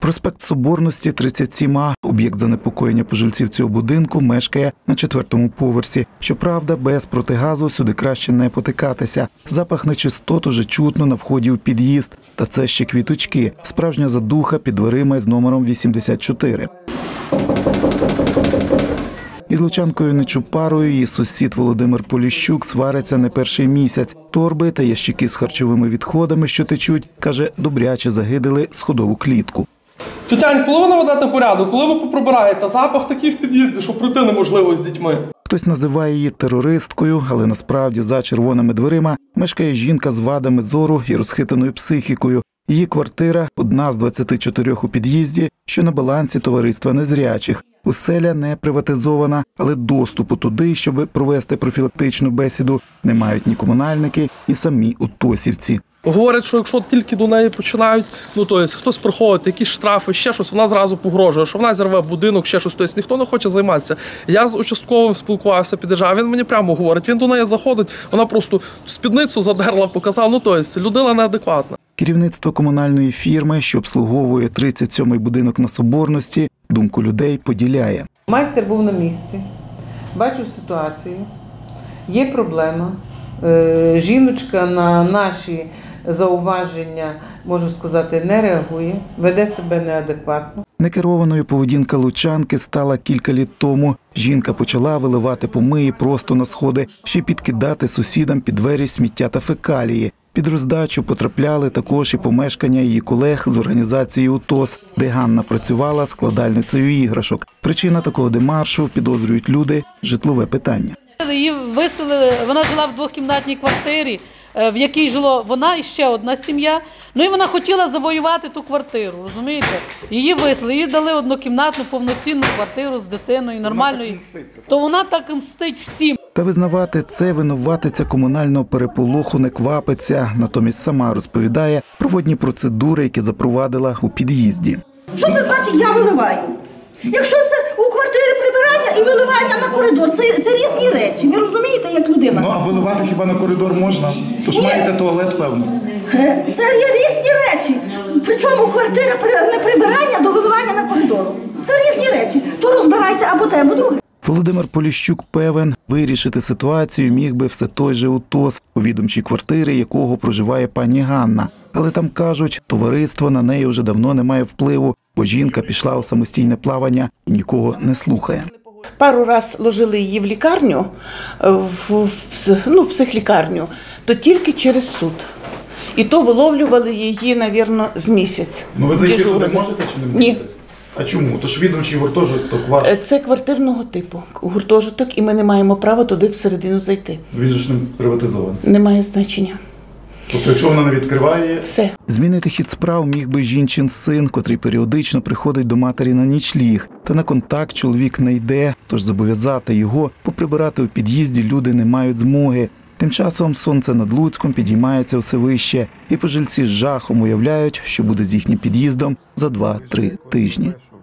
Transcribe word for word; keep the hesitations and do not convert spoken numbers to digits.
Проспект Соборності, тридцять сім А. Об'єкт занепокоєння пожильців цього будинку мешкає на четвертому поверсі. Щоправда, без протигазу сюди краще не потикатися. Запах нечистот уже чутно на вході у під'їзд. Та це ще квіточки. Справжня задуха під дверима з номером вісімдесят чотири. Із лучанкою Нечупарою її сусід Володимир Поліщук свариться не перший місяць. Торби та ящики з харчовими відходами, що течуть, каже, добряче загидили сходову клітку. Тютянь, коли ви наведете порядок, коли ви поприбираєте, запах такий в під'їзді, що пройти неможливо з дітьми. Хтось називає її терористкою, але насправді за червоними дверима мешкає жінка з вадами зору і розхитаною психікою. Її квартира – одна з двадцяти чотирьох у під'їзді, що на балансі товариства незрячих. Оселя не приватизована, але доступу туди, щоб провести профілактичну бесіду, не мають ні комунальники, і самі утосівці. Говорять, що якщо тільки до неї починають, ну то є, хтось проходить, якісь штрафи, ще щось, вона зразу погрожує, що вона зірве будинок, ще щось, тобто ніхто не хоче займатися. Я з участковим спілкувався під державою, він мені прямо говорить, він до неї заходить, вона просто спідницю задерла, показала, ну тобто людина неадекватна. Керівництво комунальної фірми, що обслуговує тридцять сьомий будинок на Соборності, думку людей поділяє. Майстер був на місці, бачу ситуацію, є проблема. Жіночка на наші зауваження, можу сказати, не реагує, веде себе неадекватно. Некерованою поведінка лучанки стала кілька літ тому. Жінка почала виливати помиї просто на сходи, ще підкидати сусідам під двері сміття та фекалії. Під роздачу потрапляли також і помешкання її колег з організації УТОС, де Ганна працювала складальницею іграшок. Причина такого демаршу, підозрюють люди, житлове питання. Її виселили, вона жила в двокімнатній квартирі, в якій жила вона і ще одна сім'я. Ну і вона хотіла завоювати ту квартиру, розумієте? Її виселили, їй дали однокімнатну повноцінну квартиру з дитиною, нормальною. То вона так мстить всім. Та визнавати це винуватиця комунального переполоху не квапиться. Натомість сама розповідає про водні процедури, які запровадила у під'їзді. Що це значить «я виливаю»? Якщо це у квартирі прибирання і виливання на коридор, це, це різні речі. Ви розумієте, як людина? Ну, а виливати хіба на коридор можна? Тож маєте туалет, певно. Це є різні речі. Причому квартира не прибирання до виливання на коридор. Це різні речі. То розбирайте або те, або друге. Володимир Поліщук певен, вирішити ситуацію міг би все той же УТОС, у відомчій квартирі якого проживає пані Ганна. Але там кажуть, товариство на неї вже давно не має впливу, бо жінка пішла у самостійне плавання і нікого не слухає. Пару раз ложили її в лікарню, в, ну, в психлікарню, то тільки через суд. І то виловлювали її, мабуть, з місяць. Ну ви зайти туди можете чи не можете? Ні. А чому? Тож відомчий гуртожиток ваш? Це квартирного типу гуртожиток, і ми не маємо права туди всередину зайти. Він же ж не приватизований. Немає значення. Тобто, якщо вона не відкриває… Все. Змінити хід справ міг би жінчин син, котрий періодично приходить до матері на нічліг. Та на контакт чоловік не йде, тож зобов'язати його поприбирати у під'їзді люди не мають змоги. Тим часом сонце над Луцьком підіймається все вище, і пожильці з жахом уявляють, що буде з їхнім під'їздом за два-три тижні.